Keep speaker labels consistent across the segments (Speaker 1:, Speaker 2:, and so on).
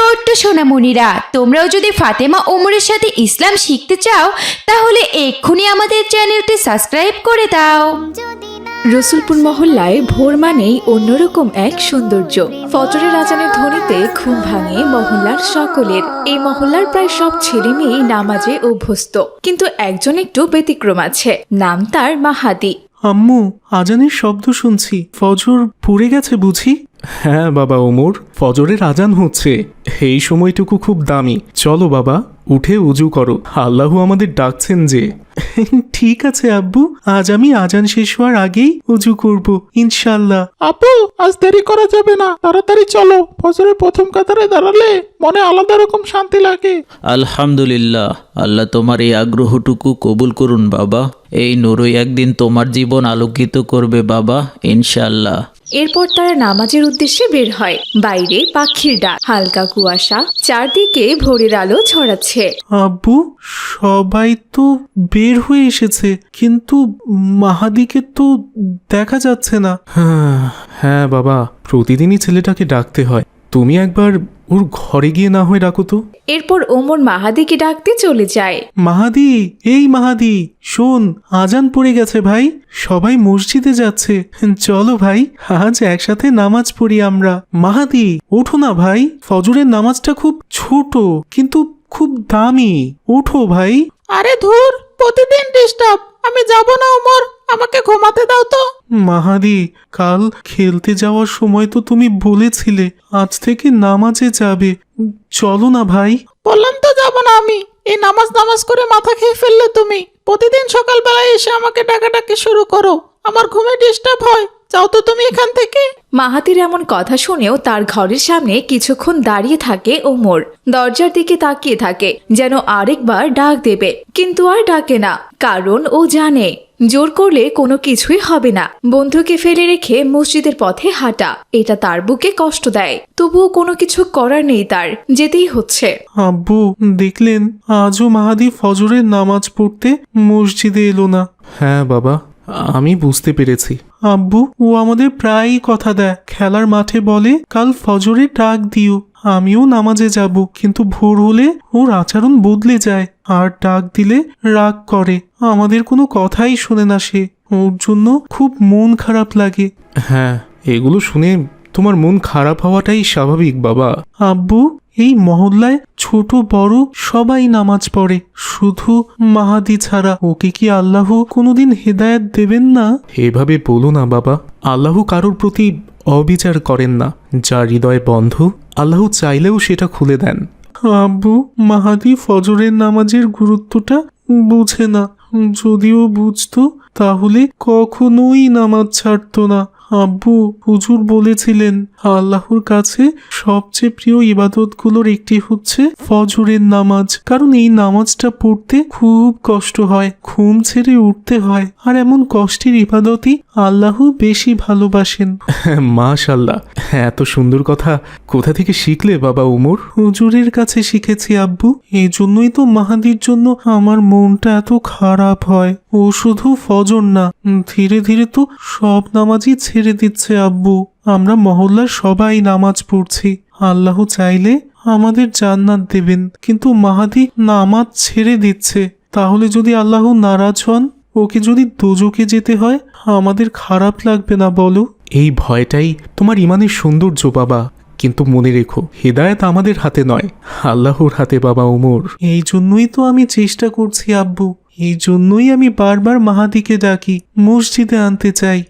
Speaker 1: ছোট্ট সোনামণিরা, তোমরাও যদি ফাতেমা ওমরের সাথে ইসলাম শিখতে চাও তাহলে এক্ষুনি আমাদের চ্যানেলটি সাবস্ক্রাইব করে দাও।
Speaker 2: রসুলপুর মহল্লায় ভোর মানেই অন্যরকম এক সৌন্দর্য। ফজরের আজানের ধ্বনিতে ঘুম ভাঙে মহল্লার সকলের। এই মহল্লার প্রায় সব ছেলে মেয়েই নামাজে অভ্যস্ত, কিন্তু একজন একটু ব্যতিক্রম আছে, নাম তার মাহাদি।
Speaker 3: আম্মু, আজানের শব্দ শুনছি, ফজর পুড়ে গেছে বুঝি? হ্যাঁ বাবা ওমর, ফজরের আজান হচ্ছে। এই সময়টুকু খুব দামি। চলো বাবা, উঠে উজু করো, আল্লাহ আমাদের ডাকছেন যে। ঠিক আছে আব্বু, আজ আমি আজান শেষ হওয়ার আগেই উজু করব ইনশাল্লাহ।
Speaker 4: আপু, আজ দেরি করা যাবে না, তাড়াতাড়ি চলো। ফজরের প্রথম কাতারে দাঁড়ালে মনে আলাদা রকম শান্তি লাগে।
Speaker 5: আলহামদুলিল্লাহ, আল্লাহ তোমার এই আগ্রহটুকু কবুল করুন বাবা। এই নূরই একদিন তোমার জীবন আলোকিত করবে বাবা, ইনশাআল্লাহ।
Speaker 2: এরপর তারা নামাজের উদ্দেশ্যে বের হয়। বাইরে পাখির ডাক, হালকা কুয়াশা, চারদিকে ভোরের আলো ছড়াচ্ছে।
Speaker 3: আব্বু, সবাই তো বের হয়ে এসেছে, কিন্তু মাহাদিকে তো দেখা যাচ্ছে না। হ্যাঁ বাবা, প্রতিদিনই ছেলেটাকে ডাকতে হয়। তুমি একবার ওর ঘরে গিয়ে না হয় ডাকো তো।
Speaker 2: এরপর ওমর মাহাদিকে ডাকতে চলে যায়।
Speaker 3: মাহাদি, এই মাহাদি, শোন, আজান পড়ে গেছে ভাই, সবাই মসজিদে যাচ্ছে, চলো ভাই, আজ একসাথে নামাজ পড়ি আমরা। মাহাদি, ওঠো না ভাই, ফজরের নামাজটা খুব ছোট কিন্তু খুব দামি, ওঠো ভাই।
Speaker 4: আরে ধুর, প্রতিদিন ডিস্টার্ব, আমি যাব না ওমর, আমাকে ঘুমাতে দাও তো।
Speaker 3: মাহাদি, কাল খেলতে যাওয়ার সময় তো তুমি বলেছিলে আজ থেকে নামাজে যাবে, চলো না ভাই।
Speaker 4: বললাম তো যাব না আমি। এই নামাজ করে মাথা খেয়ে ফেললে তুমি। প্রতিদিন সকালবেলায় এসে আমাকে ডাকাডাকি শুরু করো, আমার ঘুমে ডিস্টার্ব হয়। যাও তো তুমি এখান থেকে।
Speaker 2: মাহাতির এমন কথা শুনেও তার ঘরের সামনে কিছুক্ষণ দাঁড়িয়ে থাকে ওমর। দরজার দিকে তাকিয়ে থাকে, যেন আরেকবার ডাক দেবে, কিন্তু আর ডাকে না, কারণ ও জানে জোর করলে কোনো কিছুই হবে না। বন্ধুকে ফেলে রেখে মসজিদের পথে হাঁটা, এটা তার বুকে কষ্ট দেয়, তবুও কোনো কিছু করার নেই, তার যেতেই হচ্ছে।
Speaker 3: আব্বু, দেখলেন আজও মাহাদি ফজরের নামাজ পড়তে মসজিদে এলো না। হ্যাঁ বাবা, আমি বুঝতে পেরেছি। আব্বু, ও আমাদের প্রায়ই কথা দেয়, খেলার মাঠে বলে কাল ফজরে ডাক দিও, আমিও নামাজে যাব, কিন্তু ভোর হলে ওর আচরণ বদলে যায়, আর ডাক দিলে রাগ করে, আমাদের কোনো কথাই শোনে না সে। ওর জন্য খুব মন খারাপ লাগে। হ্যাঁ, এগুলো শুনে তোমার মন খারাপ হওয়াটাই স্বাভাবিক বাবা। আব্বু, এই মহল্লায় ছোট বড় সবাই নামাজ পড়ে, শুধু মাহাদি ছাড়া। ওকে কি আল্লাহ কোনোদিন হেদায়েত দেবেন না? এভাবে বলো না বাবা, আল্লাহ কারোর প্রতি অবিচার করেন না। যার হৃদয় বন্ধ, আল্লাহ চাইলেও সেটা খুলে দেন। আব্বু, মাহাদি ফজরের নামাজের গুরুত্বটা বুঝে না, যদিও বুঝতো তাহলে কখনোই নামাজ ছাড়তো না। আব্বু, হুজুর বলেছিলেন আল্লাহর কাছে সবচেয়ে প্রিয় ইবাদতগুলোর একটি হচ্ছে ফজরের নামাজ, কারণ এই নামাজটা পড়তে খুব কষ্ট হয়, ঘুম ছেড়ে উঠতে হয়, আর এমন কষ্টের ইবাদতই আল্লাহ বেশি ভালোবাসেন। মাশাআল্লাহ, এত সুন্দর কথা কোথা থেকে শিখলে বাবা ওমর? হুজুরের কাছে শিখেছি আব্বু, এই জন্যই তো মাহাদির জন্য আমার মনটা এত খারাপ হয়। ও শুধু ফজর না, ধীরে ধীরে তো সব নামাজই ছেড়ে দিচ্ছে আব্বু। আমরা মহল্লার সবাই নামাজ পড়ছি, আল্লাহ চাইলে আমাদের জান্নাত দেবেন, কিন্তু মাহাদি নামাজ ছেড়ে দিচ্ছে। তাহলে যদি আল্লাহ নারাজ হন, ওকে যদি দোজখে যেতে হয়, আমাদের খারাপ লাগবে না বলো? এই ভয়টাই তোমার ইমানের সৌন্দর্য বাবা, কিন্তু মনে রেখো, হেদায়েত আমাদের হাতে নয়, আল্লাহর হাতে বাবা ওমর। এই জন্যই তো আমি চেষ্টা করছি আব্বু, এই জন্যই আমি বারবার মাহাদিকে ডাকি, মসজিদে আনতে চাই।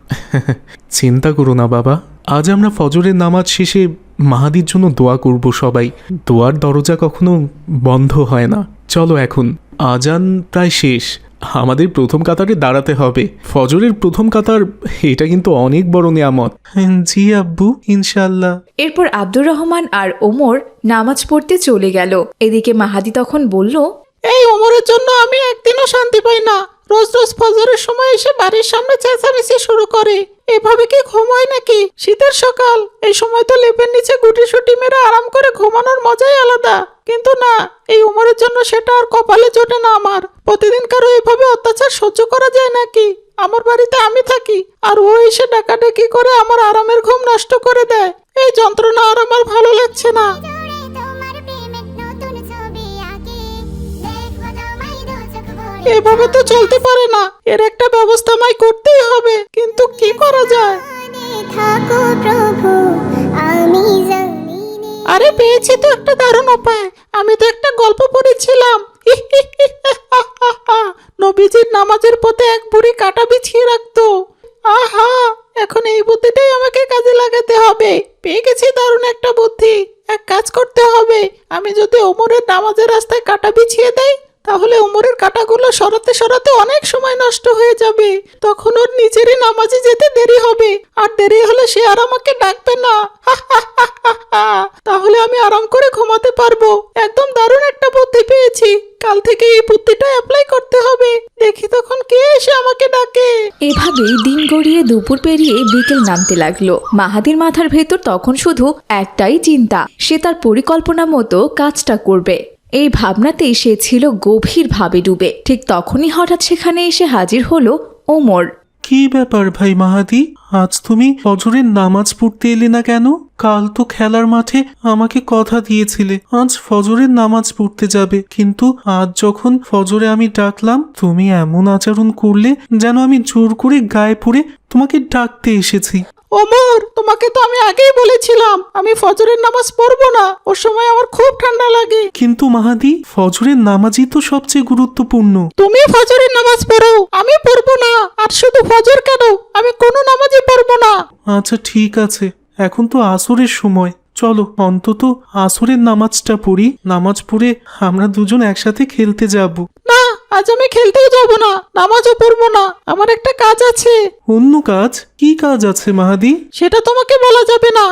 Speaker 3: চিন্তা করো না বাবা, আজ আমরা ফজরের নামাজ শেষে মাহাদির জন্য দোয়া করব সবাই। দোয়ার দরজা কখনো বন্ধ হয় না। চলো এখন, আজান প্রায় শেষ, আমাদের প্রথম কাতারে দাঁড়াতে হবে। ফজরের প্রথম কাতার, এটা কিন্তু অনেক বড় নিয়ামত। জি আব্বু, ইনশাল্লাহ।
Speaker 2: এরপর আব্দুর রহমান আর ওমর নামাজ পড়তে চলে গেল। এদিকে মাহাদি তখন বলল,
Speaker 4: এই ওমরের জন্য আমি একদিনও শান্তি পাই না। রোজ রোজ ফজরের সময় এসে বাড়ির সামনে চেঁচামেচি শুরু করে। এভাবে কি ঘুম হয় নাকি? শীতের সকাল, এই সময় তো লেপের নিচে গুটিসুটি মেরে আরাম করে ঘুমানোর মজাই আলাদা। কিন্তু না, এই ওমরের জন্য সেটা আর কপালে জোটে না আমার। প্রতিদিন কারো এভাবে অত্যাচার সহ্য করা যায় নাকি? আমার বাড়িতে আমি থাকি, আর ও এসে ডাকাডাকি করে আমার আরামের ঘুম নষ্ট করে দেয়। এই যন্ত্রণা আর আমার ভালো লাগছে না। এভাবে তো চলতে পারে না, এর একটা ব্যবস্থা আমায় করতেই হবে, কিন্তু কি করা যায়?
Speaker 6: থাকো প্রভু আমি জমিনে
Speaker 4: আরে পেয়েছি তো একটা দারুণ উপায়। আমি তো একটা গল্প পড়েছিলাম। নবীজির নামাজের পথে এক বুড়ি কাঁটা বিছিয়ে রাখতো। আহা, এখন এই বুদ্ধিটাই আমাকে কাজে লাগাতে হবে। পেয়ে গেছি দারুণ একটা বুদ্ধি। এক কাজ করতে হবে, আমি যদি ওমরের নামাজের রাস্তায় কাঁটা বিছিয়ে দেই, তাহলে ওমরের কাঁটাগুলো সরাতে সরাতে অনেক সময় নষ্ট হয়ে যাবে। তখন ওর নিজেরই নামাজে যেতে দেরি হবে, আর দেরি হলে সে আর আমাকে ডাকবে না। তাহলে আমি আরাম করে ঘুমাতে পারবো। একদম দারুণ একটা বুদ্ধি পেয়েছি। কাল থেকে এই বুদ্ধিটা অ্যাপ্লাই করতে হবে। দেখি তখন কে এসে আমাকে ডাকে।
Speaker 2: এভাবেই দিন গড়িয়ে দুপুর পেরিয়ে বিকেল নামতে লাগলো। মাহাদির মাথার ভেতর তখন শুধু একটাই চিন্তা, সে তার পরিকল্পনা মতো কাজটা করবে। এই ভাবনাতেই সে ছিল গভীরভাবে ডুবে। ঠিক তখনই হঠাৎ সেখানে এসে হাজির হলো ওমর।
Speaker 3: কি ব্যাপার ভাই মাহাদি, আজ তুমি ফজরের নামাজ পড়তে এলে না কেন? কাল তো খেলার মাঠে আমাকে কথা দিয়েছিলে আজ ফজরের নামাজ পড়তে যাবে, কিন্তু আজ যখন ফজরে আমি ডাকলাম তুমি এমন আচরণ করলে যেন আমি জোর করে গায়ে পড়ে তোমাকে ডাকতে এসেছি।
Speaker 4: ওমর, তোমাকে তো আমি আগেই বলেছিলাম আমি ফজরের নামাজ পড়বো না, ওর সময় আমার খুব ঠান্ডা লাগে।
Speaker 3: কিন্তু মাহাদি, ফজরের নামাজই তো সবচেয়ে গুরুত্বপূর্ণ।
Speaker 4: তুমি ফজরের নামাজ পড়ো, আমি পড়বো না। আর শুধু ফজর কেন, আমি কোনো নামাজই পড়বো না।
Speaker 3: আচ্ছা ঠিক আছে, এখন তো আসরের সময়, চলো অন্তত আসরের নামাজটা পড়ি। নামাজ পড়ে আমরা দুজন একসাথে খেলতে যাব।
Speaker 4: না, আজ আমি খেলতেও যাব না, নামাজও পড়বো না। আমার একটা কাজ আছে।
Speaker 3: অন্য কাজ? কি কাজ আছে মাহাদি?
Speaker 4: সেটা তোমাকে বলা যাবে না।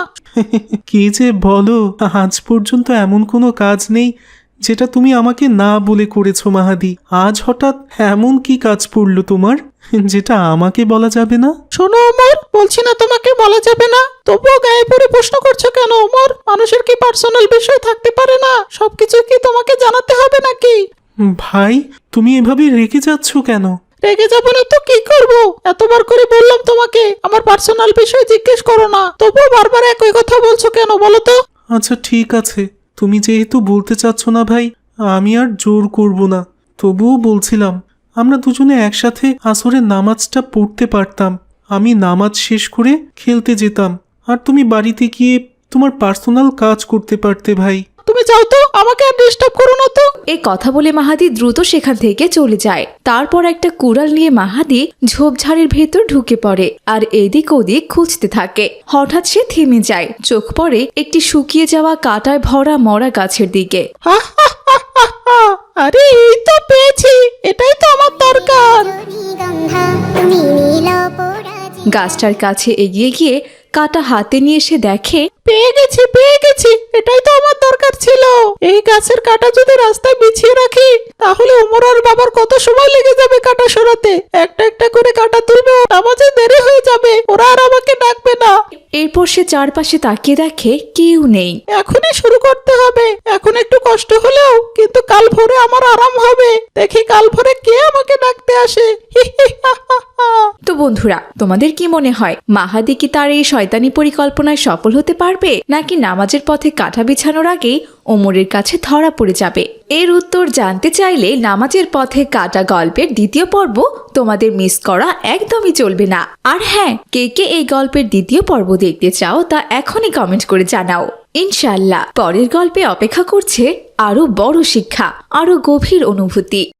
Speaker 3: কি যে বলো, আজ পর্যন্ত এমন কোনো কাজ নেই যেটা তুমি আমাকে না বলে করেছো মাহাদি। আজ হঠাৎ এমন কি কাজ পড়লো তোমার যেটা আমাকে বলা যাবে না?
Speaker 4: শোনো ওমর, বলছি না তোমাকে বলা যাবে না, তবুও গায়ে পড়ে প্রশ্ন করছো কেন ওমর? মানুষের কি পার্সোনাল বিষয় থাকতে পারে না? সবকিছু কি তোমাকে জানাতে হবে নাকি?
Speaker 3: ভাই, তুমি এভাবে রেগে যাচ্ছ কেন?
Speaker 4: রেগে যাবো না তো কি করবো? এতবার করে বললাম তোমাকে আমার পার্সোনাল বিষয় জিজ্ঞেস করো না, তবুও বারবার একই কথা বলছো কেন বলো তো?
Speaker 3: আচ্ছা ঠিক আছে, তুমি যেহেতু বলতে চাচ্ছ না ভাই, আমি আর জোর করব না। তবুও বলছিলাম আমরা দুজনে একসাথে আসরের নামাজটা পড়তে পারতাম। আমি নামাজ শেষ করে খেলতে যেতাম, আর তুমি বাড়িতে গিয়ে তোমার পার্সোনাল কাজ করতে পারতে ভাই।
Speaker 4: তুমি যাও তো, আমাকে আর ডিস্টার্ব করো না তো।
Speaker 2: এই কথা বলে মাহাদি দ্রুত সেখান থেকে চলে যায়। তারপর একটা কুড়াল নিয়ে মাহাদি ঝোপঝাড়ের ভেতর ঢুকে পড়ে আর এদিক ওদিক খুঁজতে থাকে। হঠাৎ সে থেমে যায়, চোখ পড়ে একটি শুকিয়ে যাওয়া কাঁটায় ভরা মরা গাছের দিকে।
Speaker 4: আরে এই তো পেয়েছি, এটাই তো আমার দরকার।
Speaker 6: গন্ধা তুমি নীল পরাজি
Speaker 2: গাছটার কাছে এগিয়ে গিয়ে কাঁটা হাতে নিয়ে সে দেখে
Speaker 4: পেয়ে গেছি, এটাই তো আমার দরকার ছিল। এই গাছের কাঁটা যদি রাস্তায় বিছিয়ে রাখি, তাহলে ওমর আর বাবার কত সময় লেগে যাবে কাঁটা সরাতে। একটা একটা করে কাঁটা তুলবে, নামাজে দেরি হয়ে যাবে, ওরা আর আমাকে ডাকবে না।
Speaker 2: এরপর সে চারপাশে তাকিয়ে দেখে কেউ নেই।
Speaker 4: এখনই শুরু করতে হবে। এখন একটু কষ্ট হলেও কিন্তু কাল ভোরে আমার আরাম হবে। দেখি কাল ভোরে কে আমাকে ডাকতে আসে।
Speaker 2: তো বন্ধুরা, তোমাদের কি মনে হয় মাহাদি কি তার এই শয়তানি পরিকল্পনায় সফল হতে পারবে, নাকি নামাজের পথে কাঁটা বিছানোর আগেই ওমরের কাছে ধরা পড়ে যাবে? এর উত্তর জানতে চাইলে নামাজের পথে কাঁটা গল্পের দ্বিতীয় পর্ব তোমাদের মিস করা একদমই চলবে না। আর হ্যাঁ, কে কে এই গল্পের দ্বিতীয় পর্ব দেখতে চাও তা এখনই কমেন্ট করে জানাও। ইনশাআল্লাহ পরের গল্পে অপেক্ষা করছে আরো বড় শিক্ষা, আরো গভীর অনুভূতি।